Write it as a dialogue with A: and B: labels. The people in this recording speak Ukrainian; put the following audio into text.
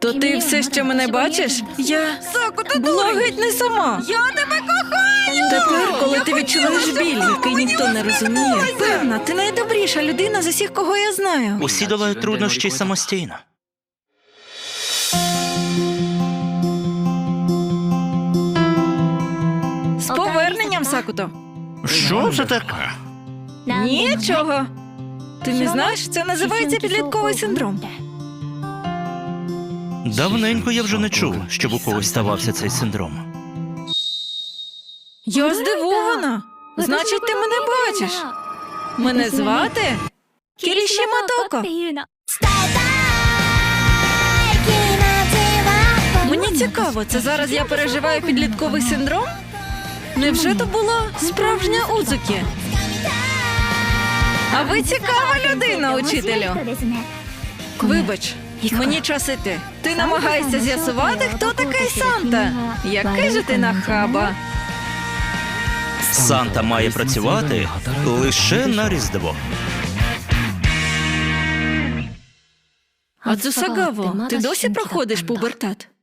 A: То ти все ще мене бачиш? Я була геть не сама.
B: Я тебе кохаю!
A: Тепер, коли ти відчуваєш біль, який ніхто не розуміє, певна, ти найдобріша людина з усіх, кого я знаю.
C: Усі долають труднощі самостійно.
A: З поверненням, Сакуто.
D: Що це таке?
A: Нічого. Ти не знаєш, це називається підлітковий синдром.
C: Давненько я вже не чув, щоб у когось ставався цей синдром.
A: Я здивована. Значить, ти мене бачиш. Мене звати Кіріші Матоко. Мені цікаво, це зараз я переживаю підлітковий синдром? Невже то була справжня Удзукі? А ви цікава людина, учителю. Вибач, мені час іти. Ти намагаєшся з'ясувати, хто такий Санта. Який же ти нахаба.
C: Санта має працювати лише на Різдво.
A: А Цусагаво, ти досі проходиш пубертат?